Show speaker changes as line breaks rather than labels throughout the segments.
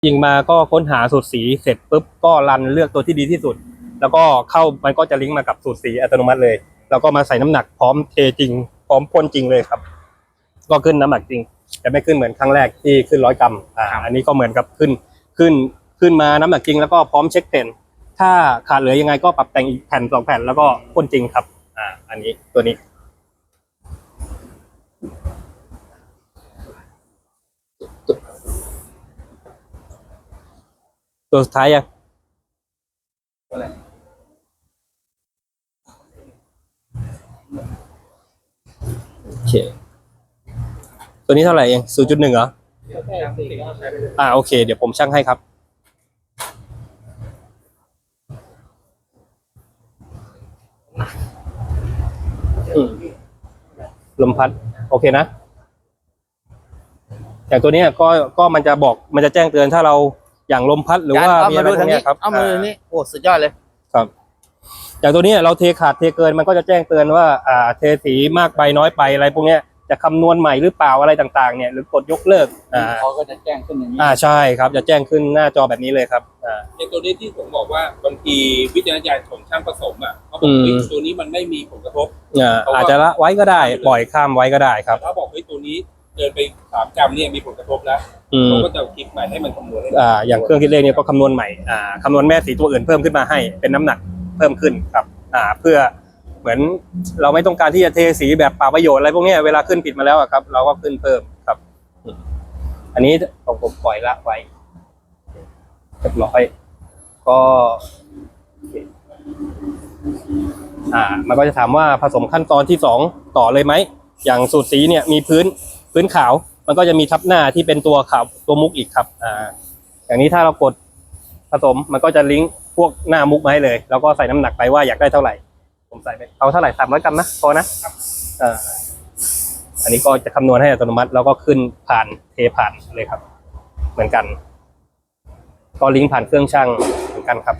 ยิงมาก็ค้นหาสูตรสีเสร็จปุ๊บก็รันเลือกตัวที่ดีที่สุดแล้วก็เข้ามันก็จะลิงก์มากับสูตรสีอัตโนมัติเลยแล้วก็มาใส่น้ำหนักพร้อมเทจริงพร้อมพ่นจริงเลยครับก็ขึ้นน้ำหนักจริงแต่ไม่ขึ้นเหมือนครั้งแรกที่ขึ้น100 กรัมอันนี้ก็เหมือนกับขึ้นมาน้ำหนักจริงแล้วก็พร้อมเช็คเต็นถ้าขาดเหลือยังไงก็ปรับแต่งอีกแผ่น2 แผ่นแล้วก็พ่นจริงครับอันนี้ตัวนี้ตัวสุดท้ายยังโอเคตัวนี้เท่าไหร่เอง 0.1 เหรอโอเคเดี๋ยวผมชั่งให้ครับลมพัดโอเคนะอย่างตัวนี้ก็มันจะบอกมันจะแจ้งเตือนถ้าเราอย่างลมพัดหรือว่ามีอะไรพวกนี้ครับ
เอามือนี้โอ้สุดยอดเลย
ครับอย่างตัวนี้เราเทขาดเทเกินมันก็จะแจ้งเตือนว่าเทสีมากไปน้อยไปอะไรพวกนี้จะคำนวณใหม่หรือเปล่าอะไรต่างๆเนี่ยหรือกดยกเลิก
เขาก็จะแจ้งขึ้นอย่างนี้
ใช่ครับจะแจ้งขึ้นหน้าจอแบบนี้เลยครับ
ในตัวนี้ที่ผมบอกว่าบางทีวิจารณญาณของช่างผสมเขาบอกตัวนี้มันไม่มีผลกระทบ
อาจจะละไว้ก็ได้ปล่อยข้ามไว้ก็ได้ครับ
ถ้าบอกตัวนี้เกินไป3 กรัมเนี่ยมีผลกระทบแล้วเขาก็จะคิดใหม่ให้มันคำนวณ
อย่างเครื่องคิดเลขเนี่ยก็คำนวณใหม่คำนวณแม่สีตัวอื่นเพิ่มขึ้นมาให้เป็นน้ำหนักเพิ่มขึ้นครับเพื่อเหมือนเราไม่ต้องการที่จะเทสีแบบเปล่าประโยชน์อะไรพวกนี้เวลาขึ้นผิดมาแล้วครับเราก็ขึ้นเพิ่มครับอันนี้ของผมปล่อยละไว้เรียบร้อยก็มันก็จะถามว่าผสมขั้นตอนที่2ต่อเลยไหมอย่างสูตรสีเนี่ยมีพื้นขาวมันก็จะมีทับหน้าที่เป็นตัวขาวตัวมุกอีกครับอย่างนี้ถ้าเรากดผสมมันก็จะลิงก์พวกหน้ามุกมาให้เลยแล้วก็ใส่น้ำหนักไปว่าอยากได้เท่าไหร่ผมใส่ไปเอาเท่าไหร่300 กรัมนะพอนะอันนี้ก็จะคำนวณให้อัตโนมัติแล้วก็ขึ้นผ่านเทผ่านเลยครับเหมือนกันก็ลิงก์ผ่านเครื่องช่างเหมือนกันครับ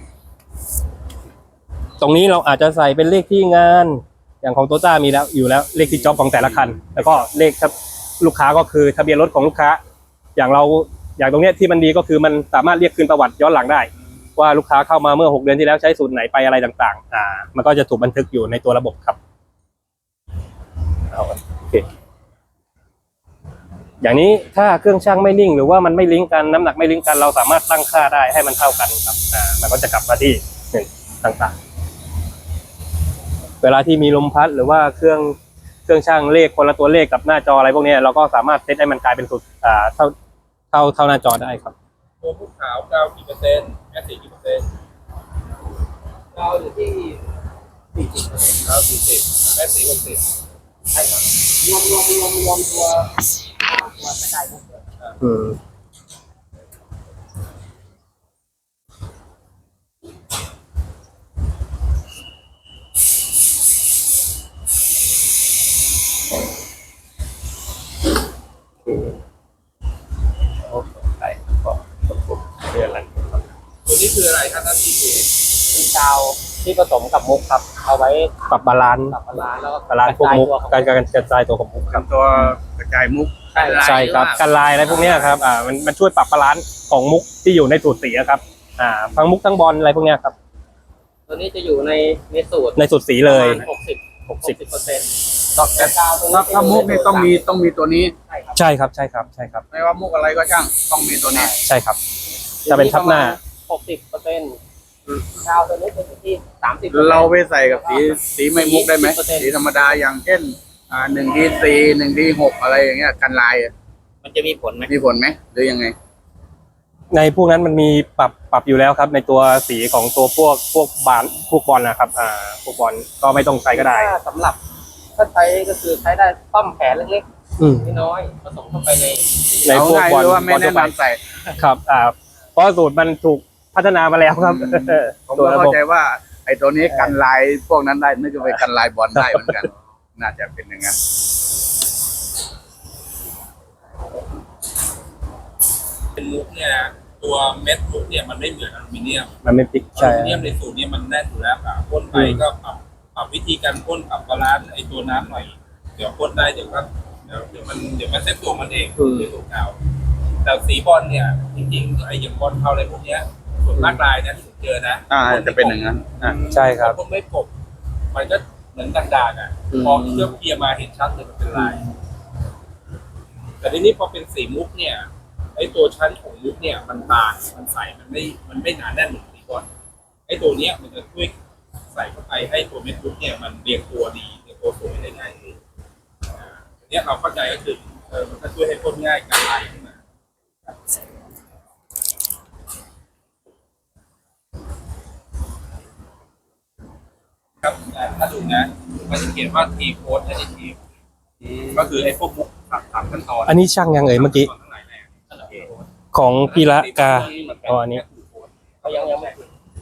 ตรงนี้เราอาจจะใส่เป็นเลขที่งานอย่างของโตต้ามีแล้วอยู่แล้วเลขที่จ็อบของแต่ละคันแล้วก็เลขครับลูกค้าก็คือทะเบียนรถของลูกค้าอย่างตรงนี้ที่มันดีก็คือมันสามารถเรียกคืนประวัติย้อนหลังได้ว่าลูกค้าเข้ามาเมื่อ6 เดือนที่แล้วใช้สูตรไหนไปอะไรต่างๆมันก็จะถูกบันทึกอยู่ในตัวระบบครับโอเคอย่างนี้ถ้าเครื่องช่างไม่นิ่งหรือว่ามันไม่ลิงก์กันน้ำหนักไม่ลิงก์กันเราสามารถตั้งค่าได้ให้มันเท่ากันครับมันก็จะกลับมาที่ต่างๆเวลาที่มีลมพัดหรือว่าเครื่องช่างเลขคนละตัวเลขกับหน้าจออะไรพวกนี้เราก็สามารถเซตให้มันกลายเป็นสูตรเท่าหน้าจอได้ครับ
ตัวผู้ขาว9กี่%แม่สีกี่%
เราอยู่ที่
40%ขาว40แม่สี60ใช่ครับ
รวมตัวไม่ได้
ตัวนี้คืออะไรครับท่านที่
เป็นกาวที่ผสมกับมุกครับเอาไว้
ปรับบาลานซ์
แล้วก็
บาลานซ์พวกมุกการกระจายตัวของมุกครับ
ตัวกระจายมุก
ใช่ครับกันลายอะไรพวกนี้ครับมันช่วยปรับบาลานซ์ของมุกที่อยู่ในสูตรสีครับทั้งมุกทั้งบอลอะไรพวกนี้ครับ
ตัวนี้จะอยู่ในสูตร
สีเลย
60%
ถ้ามุกนี่ต้องมีตัวนี้
ใช่ครับ
ไม่ว่ามุกอะไรก็ช่างต้องมีตัวนี้
ใช่ครับจะเป็นทับหน้า
60%กาวตัวนี้จะอยู่ที่30%
เราไปใส่กับสีไม่มุกได้ไหมสีธรรมดาอย่างเช่น1D4 1D6อะไรอย่างเงี้ยกันลาย
มันจะมีผลไหม
หรือยังไง
ในพวกนั้นมันมีปรับอยู่แล้วครับในตัวสีของตัวพวกบอลนะครับพวกบอลก็ไม่ต้องใช้ก็ได้
สำหรับถ้าใช้ก็คือใช้ได้ต้อมแผลเล็กๆน้อยผสมเข้าไป
ในพวกบอล
ไม่แนะนำใส่
ครับเพราะสูตรมันถูกพัฒนามาแล้วครับ
ผมก็เข้าใจว่าไอ้ตัวนี้กันลายพวกนั้นได้นึกว่าไปกันลายบอลได้เหมือนกันน่าจะเป็นอย่างนั้นเป็นมุกเนี่ยตัวเม็ดมุกเนี่ยมันไม่เหมือนอลูมิเนียม
มันไม่พลิก
อลูมิเนียมในสูตรนี้มันแน่นอยู่แล้วพ่นไปก็ปรับวิธีการพ่นปรับบาลานซ์ไอ้ตัวน้ำหน่อยเดี๋ยวพ่นได้เดี๋ยวมันเซ็ตตัวมันเองในตัวเก่า
แต่สีบอลเนี่ยจริงๆไอ้อย่างบอลเทาอะไรพวกเนี้ยส่วนมากลายนะที่ผมเจอนะ
จะเป็นอย่างนั้น
ใช่ครับ
พวกไม่กบมันก็เหมือนด่างๆอ่ะพอเคลือบเคลียร์มาเห็นชัดเลยมันเป็นลาย แต่ทีนี้พอเป็นสีมุกเนี่ยไอ้ตัวชั้นของมุกเนี่ยมันบางมันใสมันไม่หนาแน่นเหมือนสีบอลไอ้ตัวเนี้ยมันจะช่วยใส่เข้าไปให้ตัวเม็ดมุกเนี่ยมันเรียงตัวดีเรียงตัวสวยได้ง่ายขึ้นอันเนี้ยเราเข้าใจก็คือมันก็ช่วยให้พ่นง่ายการลายขึ้นมาครับถ้าดูนะมันจะเขียนว่าทีโค้ดแอดดิทีฟก็คือไอ้พวกมุกสามขั้นตอน
อันนี้ช่างยังเอ่ยเมื่อกี้ของพีระกาอ๋ออันนี้
เขายังไม่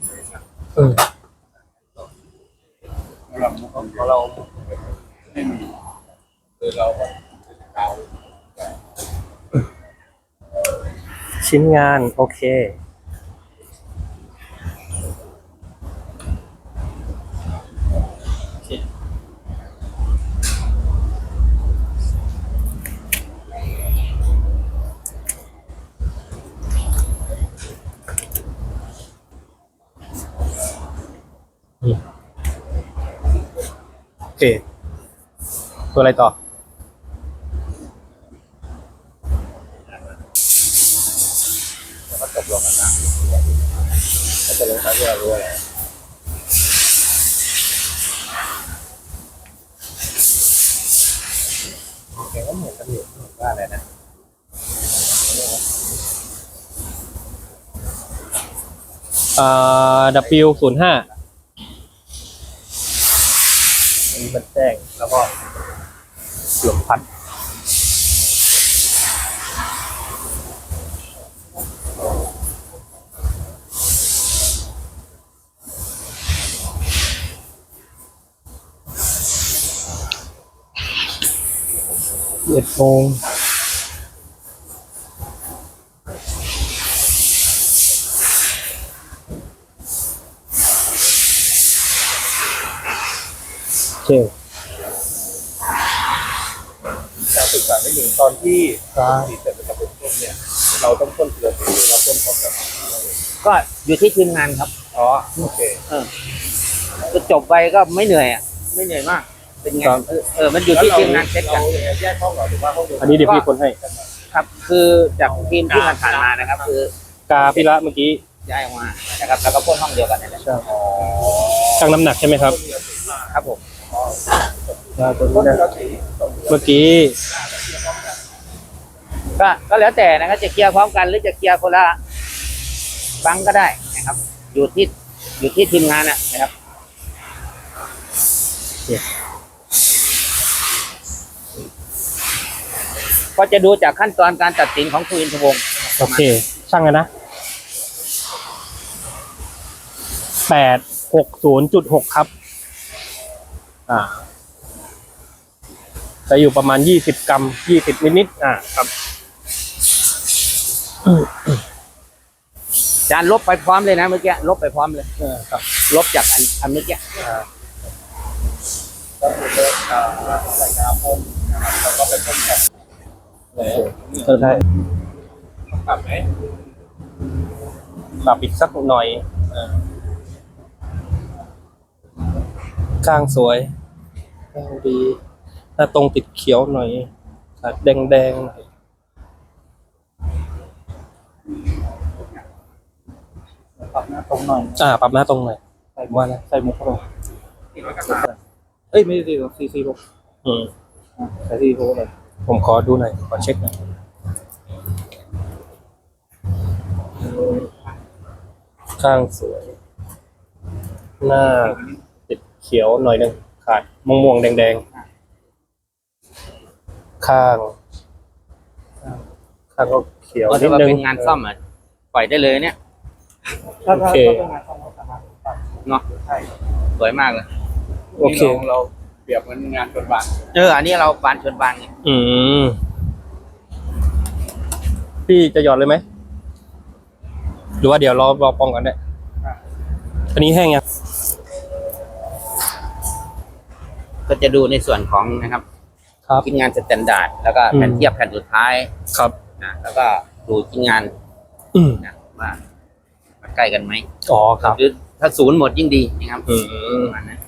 เราไม่มีเรา
ชิ้นงานโอเคโอเคตัวอะไรต่อ
ก็จบลงกันนะก็จะลงท้ายด้วยรู้อะไร
แกก็เหมือนกันอยู่ว่าอะไรนะ
W05
มันแจ้งแล้วก็ลมพัด
11 โมงโอเค
การศึกษาไม่ถึงตอนที่สีเสร็จแล้วก็เป็นต้นเนี่ยเราต้องพ่นเกลือสีหรือเราพ่นพร้อมกับ
ก็อยู่ที่ทีมงานครับ
อ๋อโอเค
ก็จบไปก็ไม่เหนื่อยอ่ะ ไม่เหนื่อยมาก เป็นไง
ครับ
มันอยู่ที่ทีมงานเซตกัน
แยกห้องเหรอหรือว่าห้องเดียว
อันนี้เดี๋ยวพี่คนให้
ครับ คือจากทีมที่ผ่านๆมานะครับ คือก
าพิระเมื่อกี้
ย้ายออกมานะครับ แล้วก็พ่นห้องเดียวกันนี่แหละ
ชั่งน้ำหนักใช่ไหมครับ
ครับผม
พ่นเกลือสี
เมื่อกี้
ก็แล้วแต่นะครับจะเคลียร์พร้อมกันหรือจะเคลียร์คนละครั้งก็ได้นะครับ อยู่ที่ทีมงานนะครับ ก็จะดูจากขั้นตอนการตัดสินของคุณอินทวงศ์
โอเค ช่างกันนะ 860.6 ครับ จะอยู่ประมาณ 20 กรัม 20 นิดๆครับ
จานลบไปพร้อมเลยนะเมื่อกี้ลบไปพร้อมเลย
ครับ
ลบจากอันเมื่อกี้
ก็คือเลิกใส่กระพ่นนะครับแล้วก็ไปพ่นกับ
ใช่
ปรับไหม
ปรับอีกสักหน่อยข้างสวยข้างดี หน้าตรงติดเขียวหน่อยแดงหน่อย
ปรับหน้าตรงหน่อย
ปรับหน้าตรงหน่อย
ใส่ว่านะใส่มุกเข้าไป
เอ้ย ไม่ได้ซีซีลบ
ใส่ที่โพสเลย
ผมขอดูหน่อย ขอเช็คหน่อย ข้างสวย หน้าติดเขียวหน่อยหนึงขาดม่วงๆแดงๆ ข้างก็เขียว
ก็
นิ
ถื
ด
อว่า
นึง
เป็นงานซ่อมปล่อยได้เลยเนี่ย
โอเค
เนาะสวยมากเลย
โอเค
เราเปรียบเหมือนงานชนบาน
อันนี้เราบานชนบานไง
พี่จะหยอดเลยไหม หรือว่าเดี๋ยวรอปองกันได้ อันนี้แห้งยัง
ก็จะดูในส่วนของนะครับ
ครับ
คิดงานสแตนดาร์ดแล้วก็แผ่นเทียบแผ่นสุดท้าย
ครับ
แล้วก็ดูที่งาน
อืม
นะว่าใกล้กันไหม
อ๋อครับ
หรือถ้าศูนย์หมดยิ่งดีนะครับ
อืม
ประมาณนั้น